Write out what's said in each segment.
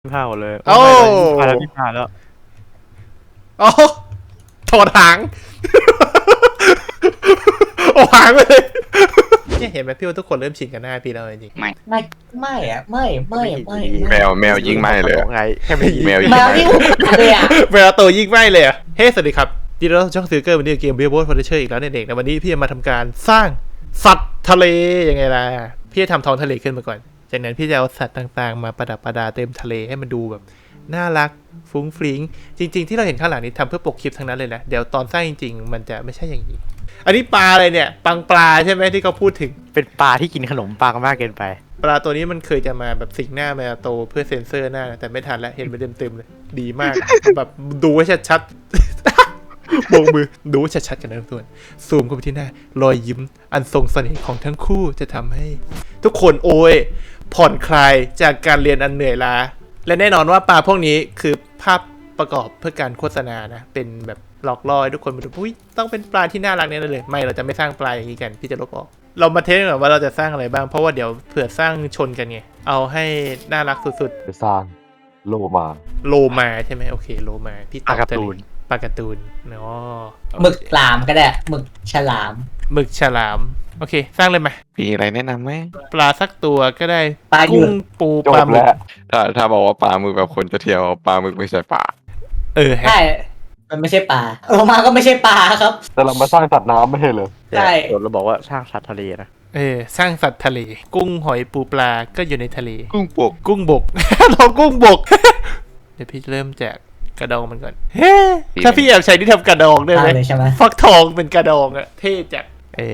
ผ้าหมดเลยโอ้ผ้าแล้วพี่ผ้าแล้วโอ้ถอดหางโอ้หางไปเลยเนี่ยเห็นไหมพี่ว่าทุกคนเริ่มชินกับหน้าพี่แล้วจริงไม่อะไม่แมวยิ่งไม่เลยไงแค่ไม่ยิงแมวยิ่งแมวไม่ที่อุดเลยอะเวลาโตยิ่งไม่เลยเฮ้สวัสดีครับดีแล้วช่องซื้อเกอร์วันนี้เกมเบียร์โบสฟอร์เชอร์อีกแล้วเด็กๆในวันนี้พี่จะมาทำการสร้างสัตว์ทะเลยังไงล่ะพี่จะทำท้องทะเลขึ้นมาก่อนจากนั้นพี่จะเอาสัตว์ต่างๆมาประดับประดาเต็มทะเลให้มันดูแบบน่ารักฟุ้งฟริ้งจริงๆที่เราเห็นข้างหลังนี้ทำเพื่อปกคลิปทั้งนั้นเลยนะเดี๋ยวตอนสร้างจริงๆมันจะไม่ใช่อย่างนี้อันนี้ปลาอะไรเนี่ยปังปลาใช่ไหมที่เขาพูดถึงเป็นปลาที่กินขนมปังมากเกินไปปลาตัวนี้มันเคยจะมาแบบสิงหน้ามาโตเพื่อเซ็นเซอร์หน้าแต่ไม่ทันแล้วเห็นไปเต็มๆเลยดีมาก แบบดูให้ชัดๆ โบกมือดูให้ชัดๆกันนะทุกคนซูมเข้าไปที่หน้ารอยยิ้มอันทรงเสน่ห์ของทั้งคู่จะทำให้ทุกคนโอยผ่อนคลายจากการเรียนอันเหนื่อยล้าและแน่นอนว่าปลาพวกนี้คือภาพประกอบเพื่อการโฆษณานะเป็นแบบหลอกล่อให้ทุกคนมาดูอุ้ยต้องเป็นปลาที่น่ารักแน่เลยไม่เราจะไม่สร้างปลาอย่างนี้กันพี่จะลบออกเรามาเทสก่อนว่าเราจะสร้างอะไรบ้างเพราะว่าเดี๋ยวเผื่อสร้างชนกันไงเอาให้น่ารักสุดจะสร้างโลมาๆโลมาใช่ไหมโอเคโลมาพี่ตอบจะปลาการ์ตูนเนาะหมึกหลามก็ได้หมึกฉลามหมึกฉลามโอเคสร้างเลยไหมมีอะไรแนะนำไหมปลาสักตัวก็ได้ปลาหยุกุ้ดงปูจปลาบหมึกแล้วถ้าบอกว่าปลาหมึกแบบคนจะเที่ยวปลาหมึกไม่ใช่ปลาฮะใช่มันไม่ใช่ปลาโลมาก็ไม่ใช่ปลาครับแต่เรามาสร้างสัตว์น้ำไม่ใช่เหรอใช่เราบอกว่าสร้างสัตว์ทะเลนะสร้างสัตว์ทะเลกุ้งหอยปูปลาก็อยู่ในทะเลกุ้งปกกุ้งบก เรากุ้งบก เดี๋ยวพี่เริ่มแจกกระดองมันก่อนเฮ้ถ้าพี่แอบใช้ที่ทำกระดองได้ไหมเลยใช่ไหมฟักทองเป็นกระดองอะเท่จัด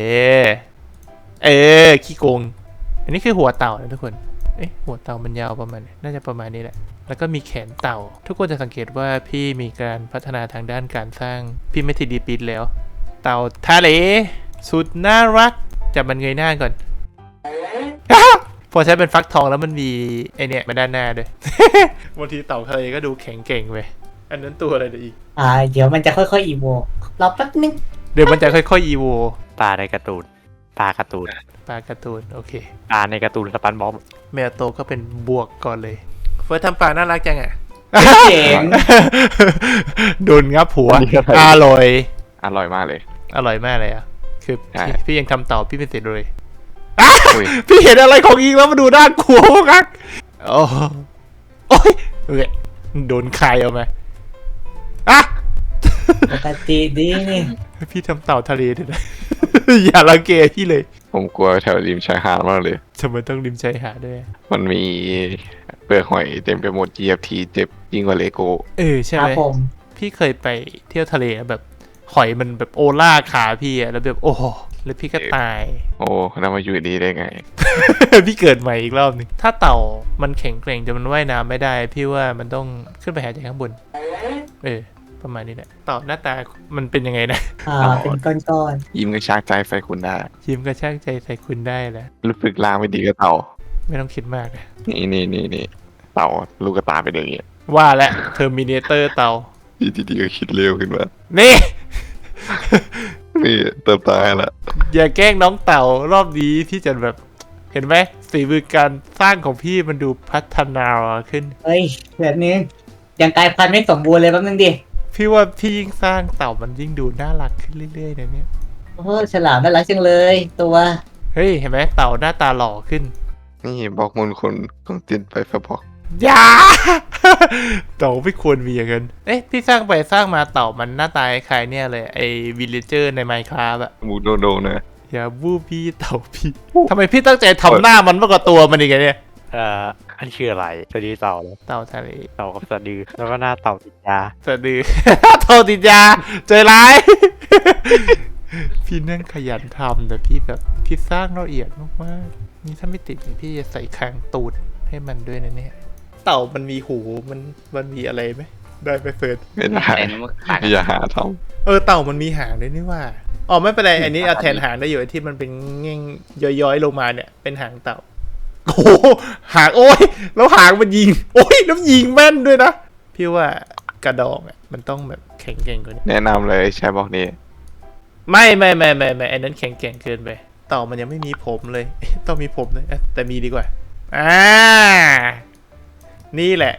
ขี้โกงอันนี้คือหัวเต่านะทุกคนหัวเต่ามันยาวประมาณน่าจะประมาณนี้แหละแล้วก็มีแขนเต่าทุกคนจะสังเกตว่าพี่มีการพัฒนาทางด้านการสร้างพี่ไม่ทีดีปีดแล้ว เต่าทะเลสุดน่ารักจับมันเงยหน้าก่อน พอใช้เป็นฟักทองแล้วมันมีไอเนี่ยมาด้านหน้าด้วย บางทีเต่าทะเลก็ดูแข็งเก่งไปอันนั้นตัวอะไรเดี๋ยวอีกเดี๋ยวมันจะค่อยๆอีโวรอแป๊บนึงเดี๋ยวมันจะค่อยๆอีโวปลาในการ์ตูนปลาการ์ตูนปลาการ์ตูนโอเคปลาในการ์ตูนสปันบ๊อบแมวโตก็เป็นบวกก่อนเลยเฟิร์สทำปลาน่ารักจังอ่ะเจ๋งโดนงับหัวอร่อยอร่อยมากเลยอร่อยมากเลยอ่ะคือใช่พี่ยังทำเต่าพี่ไม่เสร็จเลยอุ้ยพี่เห็นอะไรของอีกแล้วมาดูด้านกลัวมากโอ้ยโดนใครเอาไหมอ่ะปกติดีนี่พี่ทำเต่าทะเลด้วยนะ อย่ารังเกพี่เลยผมกลัวแถวริมชายหาดมากเลยทำไมต้องริมชายหาดด้วยมันมีเปลือกหอยเต็มไปหมด GFT เจ็บยิ่งกว่าเลโก้ใช่ครัไหบมผมพี่เคยไปเที่ยวทะเลแบบหอยมันแบบโอล่าขาพี่อะแล้วแบบโอ้โหแล้วพี่ก็ตายโอ้แล้วมาอยู่ดีได้ไงพี่เกิดใหม่อีกรอบหนึงถ้าเต่ามันแข็งแกร่งจนมันว่ายน้ำไม่ได้ พี่ว่ามันต้องขึ้นไปหายใจข้างบนประมาณนี้แหละเต่าหน้าตามันเป็นยังไงนะเป็นก้อนยิ้มกระชากใจใส่คุณได้ยิ้มกระชากใจใส่คุณได้แหละรู้สึกลางไม่ดีก็เต่าไม่ต้องคิดมากนะนี่เต่าลูกกระตาเป็นอย่างเงี้ยว่าแล้วเทอร์มินเตอร์เต่าดีดีก็คิดเร็วขึ้นมานี่นี่เติมตายละอย่าแกล้งน้องเต่ารอบนี้พี่จะแบบเห็นไหมฝีมือการสร้างของพี่มันดูพัฒนาขึ้นเฮ้ยแบบนี้ยังกลายพันธุ์ไม่สมบูรณ์เลยแป๊บนึงดิพี่ว่าพี่ยิ่งสร้างเต่ามันยิ่งดูน่ารักขึ้นเรื่อยๆนะเนี่ยโอ้ฉลามน่ารักจังเลยตัวเฮ้ยเห็นไหมเต่าหน้าตาหล่อขึ้นนี่บอกมูลคนของจินไปฟบอกอย่า เต่าไม่ควรมีอย่างนั้นพี่สร้างไปสร้างมาเต่ามันหน้าตาคล้ายเนี่ยเลยไอ้วิลเลเจอร์ใน Minecraft อะมูโดนะอย่าบู้พี่เต่าพี่ทำไมพี่ตั้งใจทำหน้ามันมากกว่าตัวมันอีกอะเนี่ยอันนี้คืออะไรสะดือเต่าแล้วเต่าทะเลเต่ากับสะดือแล้วก็หน้าเต่าติดยาสะดือ เต่าติดยาใจร้าย พี่นั่งขยันทำแต่พี่แบบพี่สร้างละเอียดมากๆนี่ถ้าไม่ติดเนี่ยพี่จะใส่คางตูดให้มันด้วยนะเนี่ยเต่ามันมีหูมันมีอะไรไหมได้ไปเฟิร์สไม่ได้อย่าหาทเต่ามันมีหางด้วยนี่ว่าอ๋อไม่เป็นไรอันนี้เอาแทนหางได้อยู่ไอ้ที่มันเป็นเง่งย้อยๆลงมาเนี่ยเป็นหางเต่าโอ้โหหางโอ้ยแล้วหางมันยิงโอ้ยแล้วยิงแม่นด้วยนะพี่ว่ากระดองอ่ะมันต้องแบบแข็งแกร่งกว่านี้ำแนะนำเลยใช้บอกนี้ไม่อันนั้นแข็งแกร่งเกินไปเต่ามันยังไม่มีผมเลย ต้องมีผมเลยแต่มีดีกว่านี่แหละ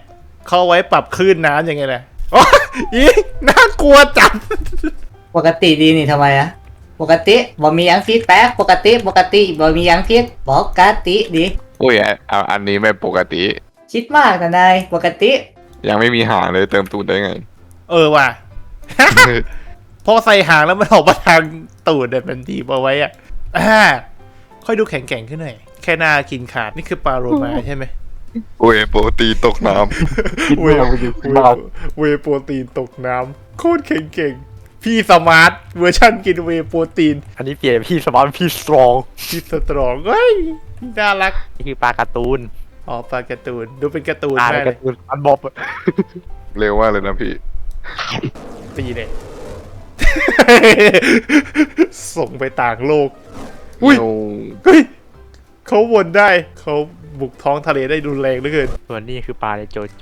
เขาเอาไว้ปรับคลื่นน้ำยังไงแหละโอ้อีน่ากลัวจัดปกติดีนี่ทำไมอะปกติบ่มีหยังผิดแป๊บปกติบ่มีหยังผิดปกติดีอุ้ยเอาอันนี้ไม่ปกติคิดมากนะนายปกติยังไม่มีหางเลยเติมตูดได้ไงเออว่ะ พอใส่หางแล้วมันออกมาทางตูดเนี่ยมันดีเอาไว้อ่ะค่อยดูแข็งแกร่งขึ้นหน่อยแค่หน้ากินขาดนี่คือปลาโรมาใช่ไหมอุ้ยโปรตีนตกน้เวย์โปรตีนตกน้ำโคตรแข็งเก่งพี่สมาร์ทเวอร์ชันกินเวย์โปรตีนอันนี้เปลี่ยนพี่สมาร์ทพี่สตรองพี่สตรองเฮ้ยน่ารักนี่คือปลาการ์ตูนอ๋อปลาการ์ตูนดูเป็นการ์ตูนปลาในมากเลกาย ร์ตูนสปันบ็อบำเร็วมากเลยนะพี่ตีเลย ส่งไปต่างโลก อุ้ยเร็วเฮ้ยเขาวนได้เขาบุกท้องทะเลได้รุนแรงเหลือเกินส่วนนี้คือปลาในโจโจ้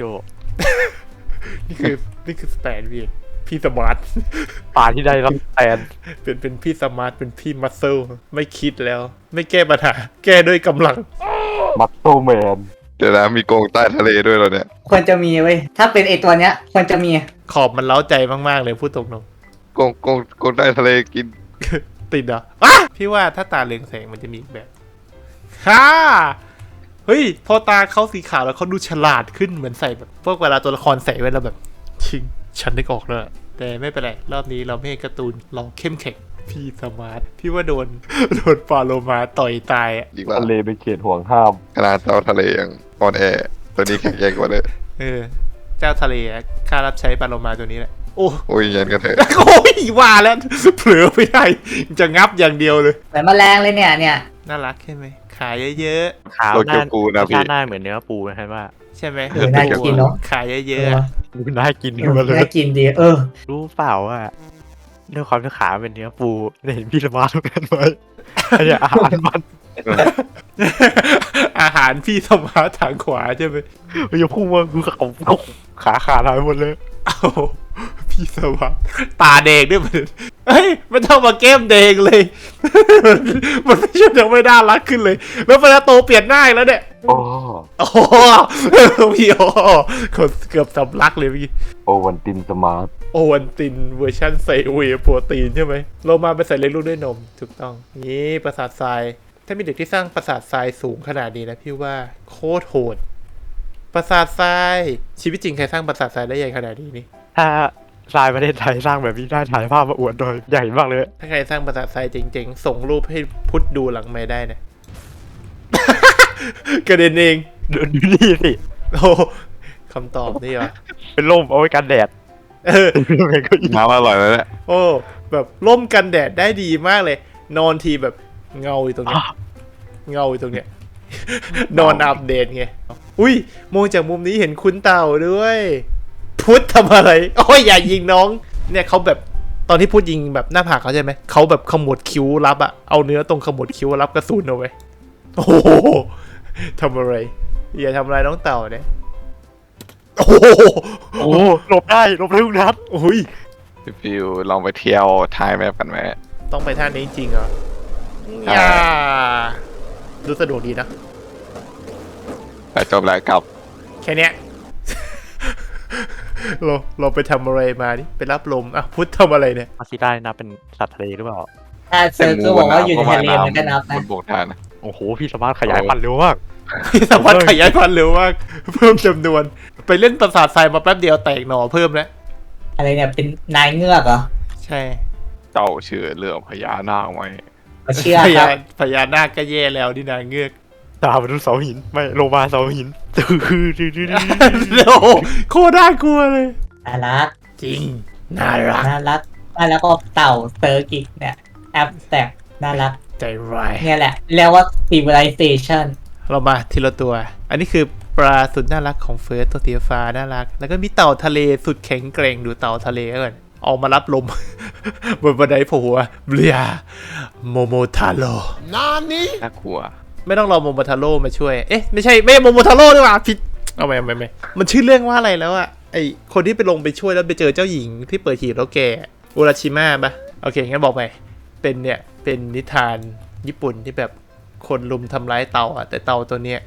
นี่คือสแตนพี่สมาร์ทปลาที่ได้รับแทนเป็นพี่สมาร์ทเป็นพี่มัสเซลไม่คิดแล้ว ไม่แก้ปัญหา แก้ด้วยกำลังมัตโตแมนเดี๋ยวนะมีกรงใต้ทะเลด้วยเหรอเนี่ยควรจะมีเว้ยถ้าเป็นไอตัวเนี้ยควรจะมีขอบมันเล้าใจมากๆเลยพูดตรงกรงใต้ทะเลกินๆ ติดเหรออ่ะพี่ว่าถ้าตาเรืองแสงมันจะมีอีกแบบฮ่าเฮ้ย พอตาเขาสีขาวแล้วเขาดูฉลาดขึ้นเหมือนใส่แบบพวกเวลาตัวละครใส่ไว้แล้วแบบชิงฉันนึกออกแล้วแต่ไม่เป็นไร รอบนี้เราไม่ให้การ์ตูนเราเข้มแข็งพี่สมาร์ทพี่ว่าโดน ปลาโลมาต่อยตายอะอีกแล้วทะเลเป็นเขตห่วงห้ามขนาดเจ้าทะเลยังอ่อนแอตัวนี้แข็งแกร่งกว่าเลยเออ เจ้าทะเลอะข้ารับใช้ปลาโลมาตัวนี้แหละโอ้โอ้ยยันกันเถอะโอ้ยว่าแล้ว เผลอไม่ได้จะงับอย่างเดียวเลยเหมือนแมลงเลยเนี่ยน่ารักใช่ไหมขายเยอะขาวโตหเกียน้าวปูนะพี่หน้าเหมือนเนื้อปูนะครับว่าๆใช่ไหมเออน่ากินเนาะขายเยเออะๆออะดูน่ากินเอขึ้นอมาเลยน่ากินดีรู้เปล่าว่าด้วยความที่ขาเป็นเนื้อปูได้เห็นพี่สมาร์ทเหมือนกันไหมอันเนี้ยอาหารมันอาหารพี่สมาร์ททางขวาใช่ไหมมันจะพุ่งมาคือขาขาดหายหมดเลยเอาพี่สมาร์ทตาแดงด้วยมันเฮ้ยมันเท่ามาแก้มแดงเลย มันไม่ใช่ยังไม่น่ารักขึ้นเลย แล้วเวลาโตเปลี่ยนหน้าอีกแล้วเนี่ยโอ้โอ้โหพี่โอ้คนเกือบสำลักเลยพี่โอวันตินสมาร์ทโอวันตินเวอร์ชันใส่เวย์โปรตีนใช่ไหมเรามาไปใส่เลี้ยงลูกด้วยนมถูกต้องนี่ปราสาททรายถ้ามีเด็กที่สร้างปราสาททรายสูงขนาดนี้นะพี่ว่าโคตรโหดปราสาททรายชีวิตจริงใครสร้างปราสาททรายได้ใหญ่ขนาดนี้นี่ถ้าทรายประเทศไทยสร้างแบบนี้ได้ถ่ายภาพมาอวดโดยใหญ่มากเลยถ้าใครสร้างปราสาททรายเจ๋งๆส่งรูปให้พุทธดูหลังไม่ได้นะ กระเด็นเองดูนี่สิโอ้คำตอบนี่เหรอเป็นร่มเอาไว้กันแดดเออน้ำอร่อยแล้วแหละโอ้แบบร่มกันแดดได้ดีมากเลย นอนทีแบบเงาอยู่ตรงเนี้ยเงาอยู่ตรงเนี้ย นอนอัปเดตไงอุ้ยมองจากมุมนี้เห็นคุณเต่าด้วย พุทธทำอะไรโอ้ยอย่ายิงน้อง เนี่ยเขาแบบตอนที่พูดยิงแบบหน้าผากเขาใช่ไหมเขาแบบขมวดคิ้วรับอะเอาเนื้อตรงขมวดคิ้วรับกระสุนเอาไว้โอ้โหทำอะไรอย่าทำอะไรน้องเต่าเนี่ยโอ้โหโอ้หลบได้ทุกนัดโอ้ยพี่ฟิวลองไปเที่ยวท้ายแมปกันไหมต้องไปท่านี้จริงเหรอใช่อย่าดูสะดวกดีนะแต่จบแล้วกลับแค่เนี้ย เราไปทำอะไรมานี่ไปรับลมอ่ะพุทธทำอะไรเนี่ยมาซิได้นับเป็นสัตว์ทะเลหรือเปล่าถ้าเซอร์ก็บอกว่าอยู่ในทะเลมันก็นับบนะนบกทานนะโอ้โหพี่สามารถขยายพันธุ์เร็วมากพี่สามารถขยายพันธุ์เร็วมาก เพิ่มจำนวน ไปเล่นปราสาททรายมาแป๊บเดียวแตกหน่อเพิ่มแล้วอะไรเนี่ยเป็นนายเงือกเหรอใช่เจ้าเชื่อเรื่องพญานาคไหมมาเชื่อพคญารับพญานาคก็แย่แล้วนี่นาเงือกตามไปดูเสาหินไม่โลมาเสาหินโอ้โหโคตรน่ากลัวเลยน่ารักจริง น่ารักน่ารักแล้วก็เต่าเซอร์กิกเนี่ยแอปแตกน่ารักใจร้ายเนี่ยแหละเรียกว่า civilization เรามาทีละตัว อันนี้คือปลาสุดน่ารักของเฟิร์สตัวสีฟ้าน่ารัก แล้วก็มีเต่าทะเลสุดแข็งแกร่งดูเต่าทะเลก่อนออกมารับลม บนบันไดโผล่หัวเบียโมโมทาโร่น่ากลัวไม่ต้องรอโมโมทาโร่มาช่วย เอ๊ะไม่ใช่โมโมทาโร่ดีกว่าผิดเอาไม่มันชื่อเรื่องว่าอะไรแล้วอะไอคนที่ไปลงไปช่วยแล้วไปเจอเจ้าหญิงที่เปิดหีบแล้วแกอุราชิมะปะโอเคงั้นบอกไปเป็นเนี่ยเป็นนิทานญี่ปุ่นที่แบบคนลุมทำร้ายเต่าอะแต่เต่าตัวเนี้ย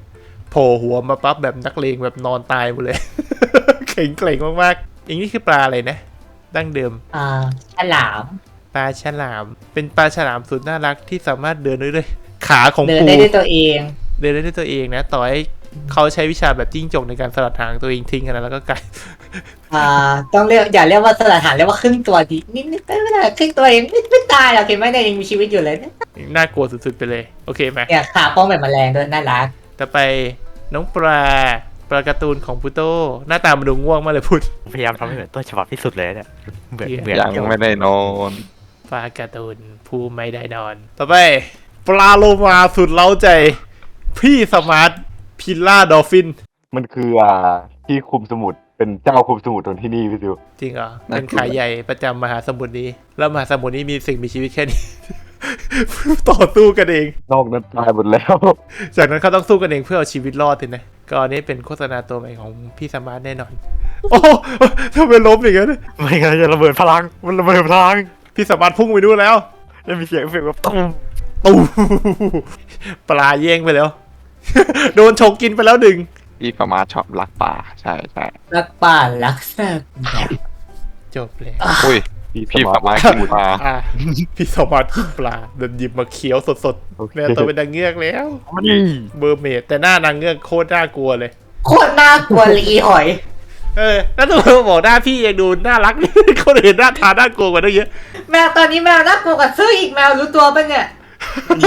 โผล่หัวมาปั๊บแบบนักเลงแบบนอนตายหมดเลย เข่งเกร่งมากๆอย่างนี้คือปลาอะไรนะดั้งเดิมฉลามปลาฉลาม เป็นปลาฉลามสุดน่ารักที่สามารถเดินได้ด้วยขาของเดินปูได้ด้วยตัวเองเดินได้ด้วยตัวเองนะ ต่อให้เขาใช้วิชาแบบจิ้งจกในการสลัดหางตัวเองทิ้งกันแล้วก็กลายต้องเรียกอย่าเรียกว่าสลัดหางเรียกว่าครึ่งตัวดีนิดไม่ได้ครึ่งตัวเองไม่ตายหรอกเห็นไหมเนี่ยยังมีชีวิตอยู่เลยเนี่ยน่ากลัวสุดๆไปเลย โอเคไหมเนี่ยขาป้องแบบแมลงด้วยน่ารักต่อไปน้องปลาการ์ตูนของพุโต้หน้าตามันดูง่วงมากเลยพุทธพยายามทำให้เหมือนต้นฉบับที่สุดเลยเนี่ยเหมือนยังไม่ได้นอนปลาการ์ตูนผู้ไม่ได้นอน ต่อไปปลาโลมาสุดเล้าใจ พี่สมาร์ทพิลล่าดอลฟินมันคือที่คุมสมุทรเป็นเจ้าคุมสมุทรตรงที่นี่พี่ซิวจริงเหรอ เป็นขายใหญ่ประจำมหาสมุทรนี้ แล้วมหาสมุทรนี้มีสิ่งมีชีวิตแค่นี้ ต่อสู้กันเองนอกนั้นตายหมดแล้วจากนั้นเขาต้องสู้กันเองเพื่อเอาชีวิตรอดเลยนะก็อันนี้เป็นโฆษณาตัวใหม่ของพี่สมาร์ทแน่นอน โอ้ทำไมล้มอย่างนั้นไม่งั้นจะระเบิดพลังมันระเบิดพลังพี่สมาร์ทพุ่งไปนู่นแล้วแล้วมีเสียงเอฟเฟกต์แบบตุ้มตู้ ปลาแย่งไปแล้ว โดนฉกกินไปแล้วหนึ่งพี่ประมาทชอบรักป่าใช่ใช่รักป่ารักสัตว์จบเลยอุ้ยพี่ประมาทกินปลาอ่ะพี่สมาร์ทกินปลาเดินหยิบมาเคี้ยวสดๆเนี่ยตัวเป็นนางเงือกแล้วมันนี่เบอร์เมดแต่หน้านางเงือกโคตรน่ากลัวเลยโคตรน่ากลัวเลยอีหอยแล้วตัวบอกหน้าพี่ยังดูน่ารัก คนอื่นหน้าทาน่ากลัวกว่าตั้งเยอะแมวตอนนี้แมวน่ากลัวกว่าซื้ออีกแมวรู้ตัวปะเนี่ยอี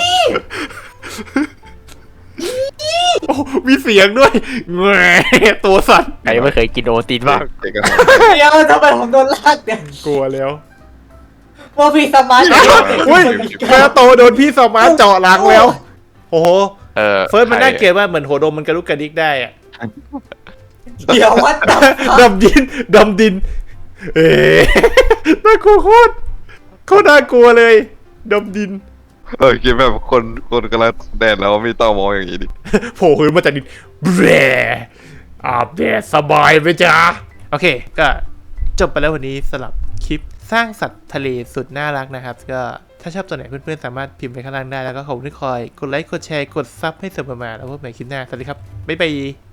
โอ้มีเสียงด้วยแหมตัวสั่นใครไม่เคยกินโอตินบ้างเด็กกันเดี๋ยวทำไมผมโดนลากเนี่ยกลัวแล้วโมบีสมาร์ทอุ้ยแมวโตโดนพี่สมาร์ทเจาะหลังแล้ว โอ้โห เฟิร์สมันน่าเกลียดว่าเหมือนหัวดมมันกระลุกกระดิกได้อะเดี๋ยววัดตับดำดิน เอ๊ะน่ากลัวโคตรน่ากลัวเลยดำดินคิดแบบคนกำลังแดดแล้วไม่ต้องมองอย่างนี้ดิโผล่ขึ้นมาจากดินแบร์อาบแดดสบายไหมจ๊ะ โอเค ก็จบไปแล้ววันนี้สำหรับคลิปสร้างสัตว์ทะเลสุดน่ารักนะครับ ก็ถ้าชอบตัวไหนเพื่อนๆ สามารถพิมพ์ไปข้างล่างได้แล้วก็ขอบคุณที่คอยกดไลค์กดแชร์กดซับให้เสมอมาแล้วพบกันใหม่คลิปหน้า สวัสดีครับ บ๊ายบาย